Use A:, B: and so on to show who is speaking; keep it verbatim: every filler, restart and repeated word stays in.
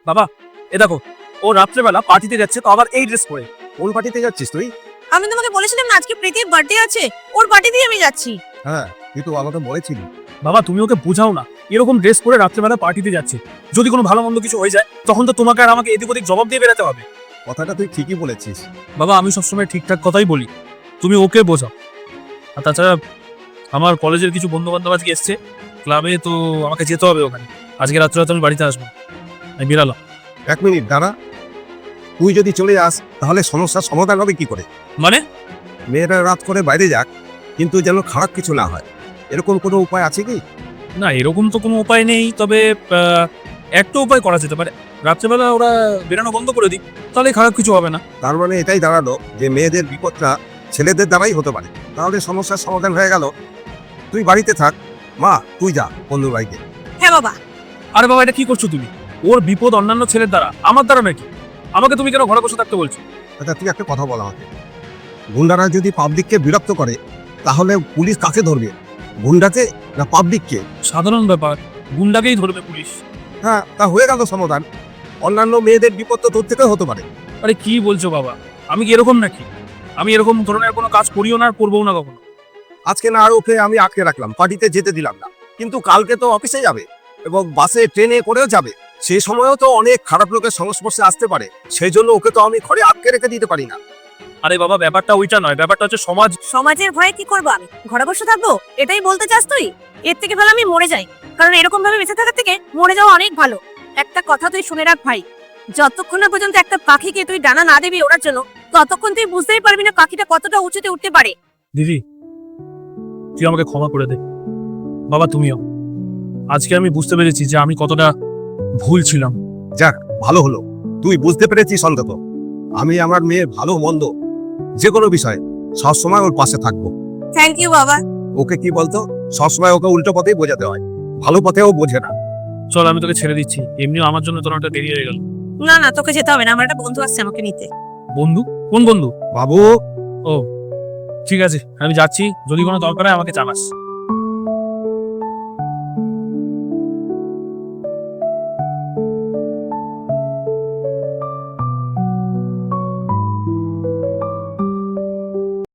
A: বাবা এ দেখো, ও রাত্রেবেলা পার্টিতে যাচ্ছে, তো আবার এই ড্রেস পরে।
B: কোন পার্টিতে যাচ্ছিস তুই?
C: আমি তোমাকে বলেছিলাম না আজকে প্রীতির বার্থডে আছে, ওর পার্টিতেই আমি যাচ্ছি।
B: হ্যাঁ, তুই তো আমাকে বলেছিলি।
A: বাবা তুমি ওকে বোঝাও না, এরকম ড্রেস পরে রাত্রেবেলা পার্টিতে যাচ্ছে, যদি কোনো ভালো মন্দ কিছু হয়ে যায় তখন তো তোমাকে আর আমাকে এদিক ওদিক জবাব দিয়ে বেরোতে হবে।
B: কথাটা তুই ঠিকই বলেছিস।
A: বাবা আমি সবসময় ঠিকঠাক কথাই বলি, তুমি ওকে বোঝাও। আর তাছাড়া আমার কলেজের কিছু বন্ধু বান্ধব আজকে এসছে ক্লাবে, তো আমাকে যেতে হবে ওখানে। আজকে রাত্রে রাতে আমি বাড়িতে আসবো, আমি বেরালাম।
B: এক মিনিট দাঁড়া, তুই যদি চলে যাস তাহলে সমস্যার সমাধান হবে কি করে?
A: মানে?
B: মেয়েরা রাত করে বাইরে যাক, কিন্তু যেন খারাপ কিছু না হয়, এরকম কোনো উপায় আছে কি?
A: না এরকম তো কোনো উপায় নেই, তবে আহ, একটা উপায় করা যেতে পারে। রাত্রেবেলা ওরা বেরানো বন্ধ করে দিক, তাহলে খারাপ কিছু হবে না।
B: তার মানে এটাই দাঁড়ালো যে মেয়েদের বিপদটা ছেলেদের দ্বারাই হতে পারে, তাহলে সমস্যার সমাধান হয়ে গেল। তুই বাড়িতে থাক, মা তুই যা বন্ধুর বাড়িতে।
C: হ্যাঁ বাবা।
A: আরে বাবা এটা কি করছো তুমি? ওর বিপদ অন্যান্য ছেলের দ্বারা, আমার দ্বারা নাকি? আমাকে তুমি কেন ঘরে বসে থাকতে বলছো?
B: আচ্ছা তুই একটা কথা বল আমাকে, গুন্ডারা যদি পাবলিককে বিরক্ত করে তাহলে পুলিশ কাকে ধরবে, গুন্ডাকে না পাবলিককে?
A: সাধারণ ব্যাপার, গুন্ডাকেই ধরবে পুলিশ।
B: হ্যাঁ, তা হয়ে গেল সমাধান। অন্যান্য মেয়েদের বিপদ তো তোর থেকেও হতে পারে।
A: আরে কি বলছো বাবা, আমি কি এরকম নাকি? আমি এরকম ধরনের কোনো কাজ করিও না আর করবো না কখনো।
B: আজকে না আর ওকে আমি আটকে রাখলাম, পার্টিতে যেতে দিলাম না, কিন্তু কালকে তো অফিসে যাবে এবং বাসে ট্রেনে করেও যাবে, সেই সময়ও তো অনেক খারাপ লোকের সংস্পর্শে আসতে পারে, সেই জন্য ওকে তো আমি ঘরে আটকে রেখে দিতে পারি না।
A: আরে বাবা ব্যাপারটা ওইটা নয়, ব্যাপারটা হচ্ছে সমাজ।
C: সমাজের ভয়ে কি করবো আমি, ঘরে বসে থাকবো এটাই বলতে চাস তুই? এর থেকে ভালো আমি মরে যাই, কারণ এরকম ভাবে বেঁচে থাকার থেকে মরে যাওয়া অনেক ভালো। একটা কথা তুই শুনে রাখ ভাই, যতক্ষণ না পর্যন্ত একটা পাখিকে তুই ডানা না দিবি ওড়ার জন্য, ততক্ষণ তুই বুঝতেই পারবি না পাখিটা কতটা উঁচুতে উঠতে পারে।
A: দিদি তুই আমাকে ক্ষমা করে দে, বাবা তুমিও। আজকে আমি বুঝতে পেরেছি যে আমি কতটা ভুল ছিলাম।
B: যাক ভালো হলো, তুই বুঝতে পেরেছিস অন্তত। আমি আমার মেয়ের ভালো মন্দ যে কোনো বিষয়ে সবসময় ওর পাশে থাকবো।
C: থ্যাংক ইউ বাবা।
B: ওকে কি বলতো, সবসময় ওকে উল্টো পথেই বোঝাতে হয়, ভালো পথেও বোঝে না।
A: চল আমি তোকে ছেড়ে দিচ্ছি, এমনিও আমার জন্য তোর একটা দেরি হয়ে গেল।
C: না না তোকে যেতে হবে না, আমার একটা বন্ধু আসছে আমাকে নিতে।
A: বন্ধু? কোন বন্ধু?
B: বাবু
A: ও ঠিক আছে, আমি যাচ্ছি, যদি কোনো দরকার হয় আমাকে জানাস।